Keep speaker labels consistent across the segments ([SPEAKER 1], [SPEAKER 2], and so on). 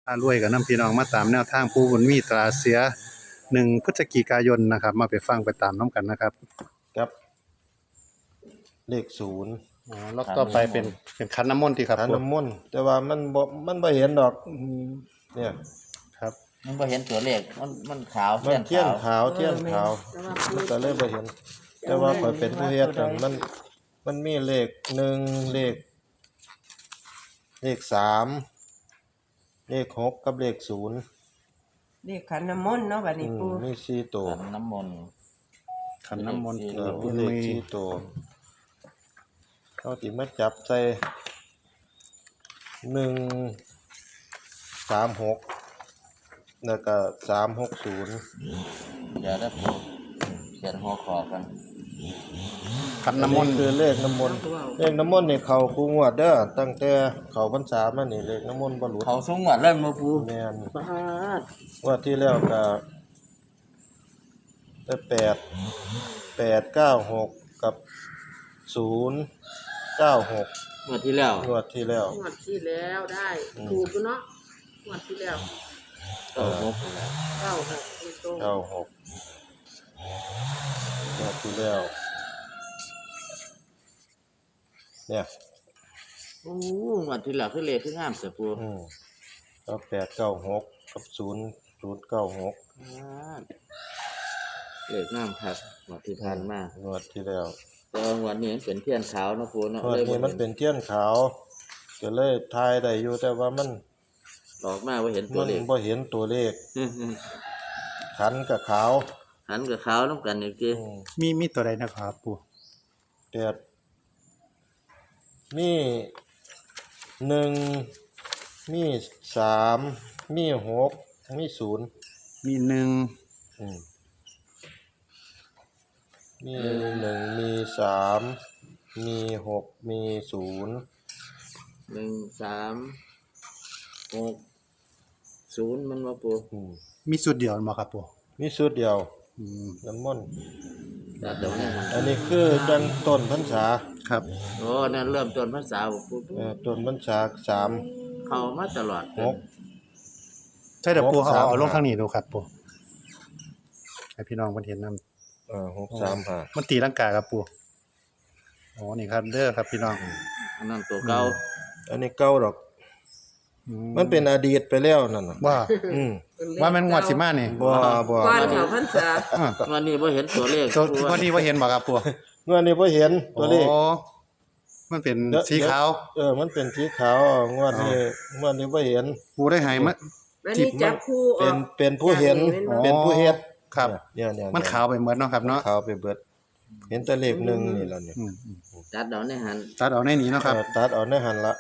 [SPEAKER 1] รวยกับน้ำพี่น้องมาตามแนวทางปูบุญมีตราเสีย1 พฤศจิกายนนะครับมาไปฟังไปตามน้ำกันนะครับ
[SPEAKER 2] ครับเลขศูนย์
[SPEAKER 1] แล้วต่อไปเป็นขันน้ำมนต์ที่ครับ
[SPEAKER 2] ขันน้ำมนต์แต่ว่ามันบ่เห็นดอกเนี่ย
[SPEAKER 1] ครับ
[SPEAKER 3] มันบ่เห็นตัวเลขมันขาว
[SPEAKER 2] มันเทียนขาวเทียนขาวมันก็เลยบ่เห็นแต่ว่าข่อยเป็นผู้เฮ็ดนั่นมันมีเลข1เลข3เลข6กับเลข0
[SPEAKER 4] เลขขันน้ำมนต์เนาะบัดนี้ปู่
[SPEAKER 2] มี4ตัว
[SPEAKER 3] ขันน้ำมนต์
[SPEAKER 1] ขันน้ำมนต์
[SPEAKER 2] มีเลข4ตัวเขาสิมาจับใส่136แล้วก็360
[SPEAKER 3] อย่าได้ปูเขียนหัวขอกัน
[SPEAKER 1] ขันน้ำมนต์
[SPEAKER 2] คือเลขน้ำมนต์นี่เข้าคู่งวดเด้อตั้งแต่เข้าพรรษามานี่เลขน้ำมนต์บ่หลุด
[SPEAKER 3] เขาสูงกว่าเริ่มมาปู
[SPEAKER 2] แม่น
[SPEAKER 4] ปาด
[SPEAKER 2] ว่าที่แล้วก็ได้896กับ096
[SPEAKER 3] เมื่อที่แล้ว
[SPEAKER 2] งวดที่แล้ว
[SPEAKER 4] งวดที่แล้วได้ถูกอยู่เนาะงวดที่แล้ว
[SPEAKER 3] 96
[SPEAKER 4] 96ตรง
[SPEAKER 2] 96งวดที่แล้วเนี่ย
[SPEAKER 3] โอ้เมื่อที่แล้วคือเลขคืองามเสียปู
[SPEAKER 2] ก็896กับ096
[SPEAKER 3] เลขงามครับเมื่อที่ผ่านมาง
[SPEAKER 2] วดที่แล้ว
[SPEAKER 3] แต่ว่าวันนี้มันเป็นเทียนขาวเนาะปูเนาะ
[SPEAKER 2] งวดนี้มันเป็นเทียนขาวก็เลยทายได้อยู่แต่ว่ามัน
[SPEAKER 3] ออกมาว่าเห็นตัวเลข
[SPEAKER 2] บ่เห็นตัวเลขขันกับขาว
[SPEAKER 3] หันกับขาวน้ำกันอีกที
[SPEAKER 1] มีตัวใดนะครับปู
[SPEAKER 2] แต่มี1มี3มี6มี0
[SPEAKER 1] มี1
[SPEAKER 2] มี1มี3มี6มี0
[SPEAKER 3] 136 0มันมาปู
[SPEAKER 1] มีสุดเดียวบ่ครับปู
[SPEAKER 2] มีสุดเดียวน้ำมนต์
[SPEAKER 3] แต่เดี๋ยวนี้มัน
[SPEAKER 2] อันนี้คือจังต้นพรรษา
[SPEAKER 1] ครับ
[SPEAKER 3] โอ้นั่นเริ่มต้นภาษาบ่ปู
[SPEAKER 2] ต้นพรรษา
[SPEAKER 3] เข้ามาตลอด
[SPEAKER 2] 3 6
[SPEAKER 1] ใช่เดี๋ยวปู
[SPEAKER 2] 6 3
[SPEAKER 1] เอาลงทางนี้ดูครับปูให้พี่น้องเพิ่นเห็นนำ
[SPEAKER 2] 6 3 5
[SPEAKER 1] มันตีลังกาครับปูอ๋อนี่ครับเด้อครับพี่น้อง
[SPEAKER 3] อันนั้นตัวเก่า
[SPEAKER 2] อันนี้เก่าดอกมันเป็นอดีตไปแล้วนั่นน่ะ
[SPEAKER 1] ว่า
[SPEAKER 2] อืม
[SPEAKER 1] ว่ามันงวดสิมานี่
[SPEAKER 2] บ่
[SPEAKER 4] ก่อนเข้าพรรษา
[SPEAKER 3] วันนี้บ่เห็นตัวเลข
[SPEAKER 1] ตัววันนี้ว่าเห็นบ่ครับปู
[SPEAKER 2] เมื่อนี้บ่เห็นตัวเลข
[SPEAKER 1] อ๋อมันเป็นสีขาว
[SPEAKER 2] มันเป็นสีขาวงวดนี้บ่เห็น
[SPEAKER 1] ปูได้ให้มา
[SPEAKER 4] วันนี้จับคู่ออก
[SPEAKER 2] เป็นผู้เห็น
[SPEAKER 1] อ๋อ
[SPEAKER 2] เป็นผู้เฮ็ด
[SPEAKER 1] ครับ
[SPEAKER 2] เนี่ย
[SPEAKER 1] มันขาวไปหมดเนาะครับเนาะ
[SPEAKER 2] ขาวไปเบิด เห็นแต่เลขหนึ่งนี่ล่ะเนี่ย
[SPEAKER 3] จัดเดาในหัน
[SPEAKER 1] ตัดเอาในนี้เนาะครับ
[SPEAKER 2] ตัดเอาในหันละ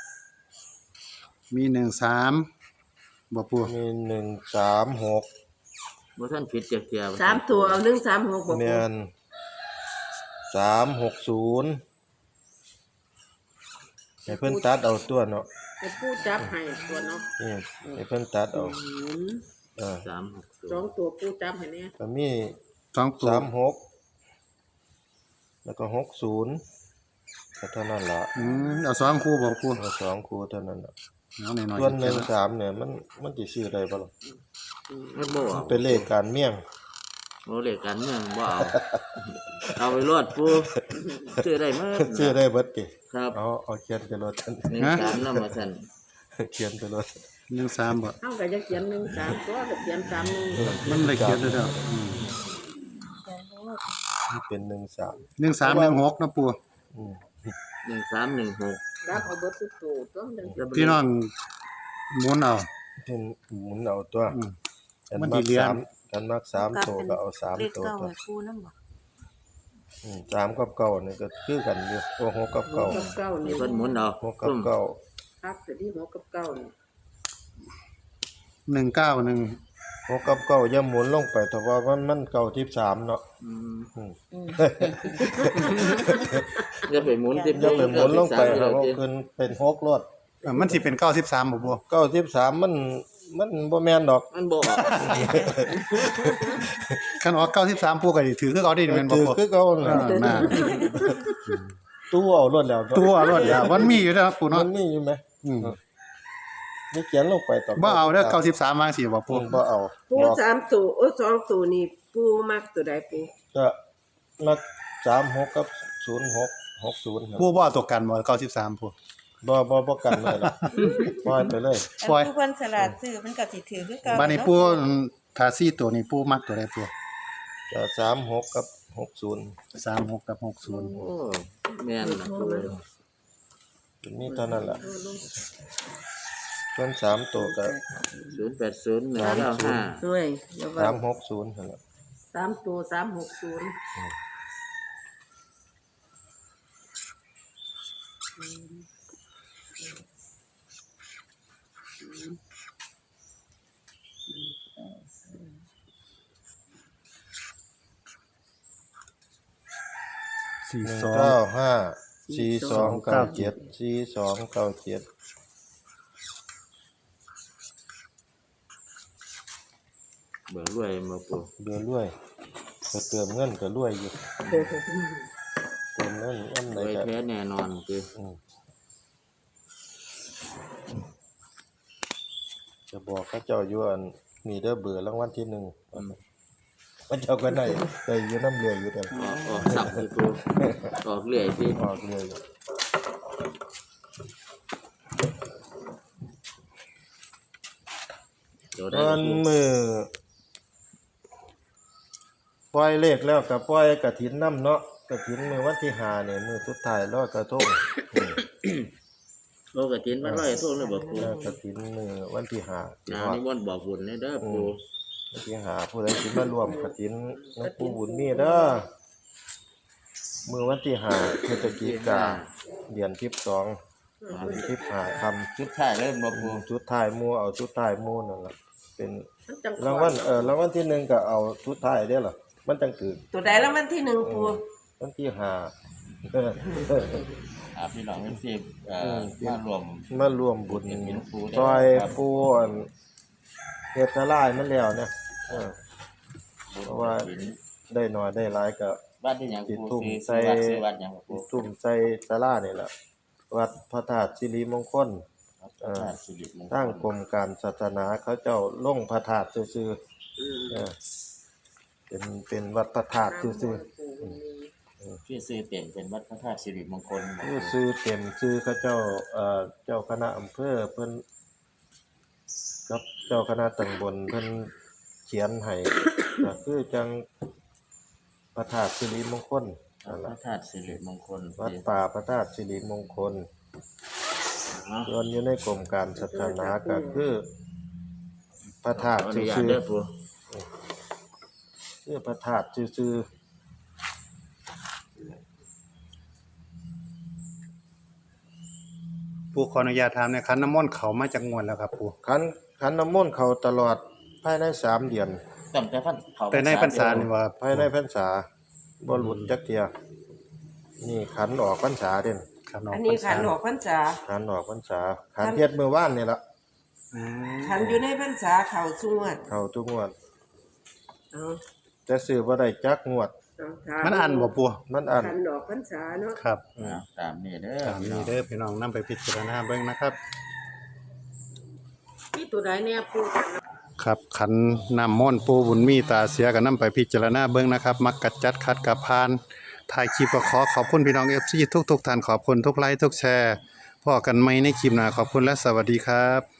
[SPEAKER 1] มี13บ่ปู
[SPEAKER 2] มี136
[SPEAKER 3] บ่ทันผิดจักเที่ย
[SPEAKER 4] 3ตัวเอา136บ่
[SPEAKER 2] แม่น360ให้เพิ่นตัดเอาตัวเนาะ
[SPEAKER 4] ให้ปู่จับให้ตัวเนาะ
[SPEAKER 2] นี่ให้เพิ่นตัดเอา
[SPEAKER 3] 360
[SPEAKER 4] 2ตัวปู่จับให้เนี่ย
[SPEAKER 2] ก็มี
[SPEAKER 1] 2ตัว
[SPEAKER 2] 36แล้วก็60ก็เท่านั้นล่ะ
[SPEAKER 1] เอา2คู่บ่ปู
[SPEAKER 2] เอา2คู่เท่านั้นล่ะ
[SPEAKER 1] เอาหน่อยๆ
[SPEAKER 2] ส่วน13เนี่ยมันสิซื้อได้บ่ล่ะ
[SPEAKER 3] มันบ่เอา
[SPEAKER 2] เป็นเลขการเมี่ยง
[SPEAKER 3] โอ้เลขกันเมืองบ่เอาเอาไปรอดปูซื้อได้มั้ย
[SPEAKER 2] ซื้อได้เบิดติ
[SPEAKER 3] ครับ
[SPEAKER 2] เอาเขียนไปรถท่าน
[SPEAKER 3] 13นำมาซั่น
[SPEAKER 2] เขียนไปรถ
[SPEAKER 1] 13บ่
[SPEAKER 4] เฮาก็จะเขียน13ก็เขียน31
[SPEAKER 1] มันได้เขียนแล้ว
[SPEAKER 2] เป็น13
[SPEAKER 1] 1316เนาะปู
[SPEAKER 3] 1316
[SPEAKER 4] รับเอาเบิดทุกตัวต้องจัง
[SPEAKER 1] พี่น้องหมุนเอา
[SPEAKER 2] เป็นหมุนเอาตัว
[SPEAKER 1] มันดีเรียน
[SPEAKER 2] กันมัก3ตัวก็เอา3ตัวตัว
[SPEAKER 4] ปู่นำบ่
[SPEAKER 2] 3กับ9นี่ก็คือกันอยู่โอ้6กับ9
[SPEAKER 4] กับ9นี่
[SPEAKER 3] เพิ่นหมุนเอา
[SPEAKER 2] 6กับ9
[SPEAKER 4] ครับแต่ที่6กับ9นี่
[SPEAKER 1] 191
[SPEAKER 2] 6กับ9อย่าหมุนลงไปแต่ว่ามัน9 13เนาะ
[SPEAKER 3] อย่าไปหมุนติ
[SPEAKER 2] อย่าไปหมุนลงไปแล้วขึ้นเป็น6รถ
[SPEAKER 1] มันสิเป็น93บ่ปู
[SPEAKER 2] 93มันบ่แม่นดอก
[SPEAKER 3] มันบ่ออก
[SPEAKER 1] คันออก93ปูก็สิถือคือเอาได้แม่นบ่
[SPEAKER 2] ถือ
[SPEAKER 1] ปู
[SPEAKER 2] คือเก่านั่น
[SPEAKER 1] น่ะ
[SPEAKER 2] ตู้เอารถแล้ว
[SPEAKER 1] ตัวรถแล้วมันมีอยู่แล้วปู
[SPEAKER 2] มั
[SPEAKER 1] เนาะ
[SPEAKER 2] นมีอยู่ไหมนี่เขียนลงไปต่อ
[SPEAKER 1] บ่เอาเด้อ93วางสิบ่
[SPEAKER 2] ปู
[SPEAKER 1] ปู
[SPEAKER 2] บ่เอา
[SPEAKER 5] ปู
[SPEAKER 2] บ่
[SPEAKER 5] 3ตัวโอ้2ตัวนี่ปูมักตัวใดปู
[SPEAKER 2] ก็นัก36กับ06 60ครับ
[SPEAKER 1] ปูบ่เอาตัวกันบ่93ปู
[SPEAKER 2] บ่กันเลยล่ะปล่อยไปเลย
[SPEAKER 1] ปล่อย
[SPEAKER 6] ผู้เพิ่นสลัดซื้อมันก็สิถือคือเก่า
[SPEAKER 1] บัดนี้ปูถ้า4ตัวนี้ปูมักตัวใดปู
[SPEAKER 2] ก็36กับ60
[SPEAKER 1] 36กับ
[SPEAKER 3] โอ้แม่นนะปู
[SPEAKER 2] มีเท่านั้นล่ะเพิ่น3ตัวก็
[SPEAKER 3] 080195
[SPEAKER 5] ด้วยแล้วว่า
[SPEAKER 2] 360นั่นล่ะ
[SPEAKER 5] 3ตัว360
[SPEAKER 1] 42
[SPEAKER 2] 4297 4297
[SPEAKER 3] เบิ่งรวยมาปู
[SPEAKER 2] เดือรวยก็เติมเงินก็รวยอยู่เติมเงินอัน
[SPEAKER 3] ร
[SPEAKER 2] ไหน
[SPEAKER 3] วย
[SPEAKER 2] ก็
[SPEAKER 3] แท้แน่นอนคือ
[SPEAKER 2] จะบอกเขาเจ้าอยู่อันมีเด้อเบอร์รางวัลที่1มันเจ้าก็ได้อยู่น้ำเรืออยู่เด้อ
[SPEAKER 3] ออกสับคือปูออกเรื่อยสิ
[SPEAKER 2] ออกเลยวันมือปล่อยเลขแล้วก็ปล่อยกฐินน้ำเนาะกฐินมือวันที่5เนี่ยมือสุดท้ายลอยกระทง
[SPEAKER 3] โลกฐินมันร้อยโทษเลยบ่ปู
[SPEAKER 2] กฐินมือวันที่5
[SPEAKER 3] นี่ม่วนบอกบุญเด้อปู
[SPEAKER 2] วันที่5ผู้ใดสิมารวมกฐินน้ำปูบุญมีเด้อมือวันที่5พฤศจิกาเดือน12เดือน15ค่ำ
[SPEAKER 3] ชุดท้ายเลยบ่ปู
[SPEAKER 2] ชุดท้ายหมู่เอาชุดท้ายหมู่นั่นล่ะเป็น
[SPEAKER 5] มันจัง
[SPEAKER 2] รางวัลรางวัลที่1ก็เอาชุดท้ายเด้อล่ะมันจังถือ
[SPEAKER 5] ตัวใดแล้วมันที่1ปู
[SPEAKER 2] วันที่5
[SPEAKER 3] พี่น้องเพิ่นสิมารวม
[SPEAKER 2] บุญ
[SPEAKER 3] เป็นปู
[SPEAKER 2] ซอยปูอันเฮ็ดสลายมันแล้วเนี่ยเพราะว่าได้น้อยได้หลายก็
[SPEAKER 3] บ้านที่หยังปูซื้อวัดหยังปู
[SPEAKER 2] ทุ่มใส่ศาลานี่ล่ะวัดพระธาตุสิริมงคล
[SPEAKER 3] สิริมงคล
[SPEAKER 2] ตั้งกรมการศาสนาเขาเจ้าลงพระธาตุซื่อๆเป็นวัดพระธาตุซื่อ
[SPEAKER 3] ชื่อซื้อเต็มเป็นวัดพระธาตุสิริมงคล
[SPEAKER 2] ๆชื่อเต็มชื่อเขาเจ้าเจ้าคณะอำเภอเพิ่นกับเจ้าคณะตำบลเพิ่นเขียนให้ก็คือจังพระธาตุสิริมงคลนั่น
[SPEAKER 3] พ
[SPEAKER 2] ล่ะ
[SPEAKER 3] ระธาตุสิริมงคล
[SPEAKER 2] วัดป่าพระธาตุสิริมงคลส่วนอยู่ในกรมการศาสนาก็คือพระธาตุ
[SPEAKER 3] อนุ
[SPEAKER 2] ซื่
[SPEAKER 3] ญาต
[SPEAKER 2] อ
[SPEAKER 3] เด้อปู
[SPEAKER 2] ๆชื่อพระธาตุซื่อ
[SPEAKER 1] ปูขออนุญาตถามในคันน้ำมนต์เขามาจากงวดแล้วครับปู
[SPEAKER 2] ๆขันน้ำมนต์เขาตลอดภายใน3เดือน
[SPEAKER 3] ตั้งแต่พันเขา
[SPEAKER 1] แต่ในพรรษานี่ว่า
[SPEAKER 2] ภายในพรรษาบ่หลุดจักเที่ยนี่ขันออกพรรษาเด่น
[SPEAKER 1] ครับ
[SPEAKER 5] อันนี้ขันออกพรรษา
[SPEAKER 2] ขันออกพรรษาขันเฮ็ดมื้อวานนี่ล่ะ
[SPEAKER 5] ขันอยู่ในพรรษาเข้าสวด
[SPEAKER 2] เข้าทุกงวด
[SPEAKER 5] เอา
[SPEAKER 2] แต่ซื้อบ่ได้จักงวด
[SPEAKER 1] มันอันบ่ปู
[SPEAKER 2] มันอัน
[SPEAKER 5] ขันออกพรรษาเนาะ
[SPEAKER 1] ครับ
[SPEAKER 3] ตามนี้เด้อ
[SPEAKER 1] ตามนี้เด้อพี่น้องนำไปพิจารณาเบิ่งนะครับ
[SPEAKER 5] นี่ตัวใดเนี่ยปู
[SPEAKER 1] ครับขันน้ำมนต์ปูบุญมีตาเสียก็นำไปพิจารณาเบิ่งนะครับ มักกัดจัดคัดกับพานถ่ายคลิปก็ขอขอบคุณพี่น้อง FC ทุกท่านขอบคุณทุกไลค์ทุกแชร์พอกันใหม่ในคลิปหน้าขอบคุณและสวัสดีครับ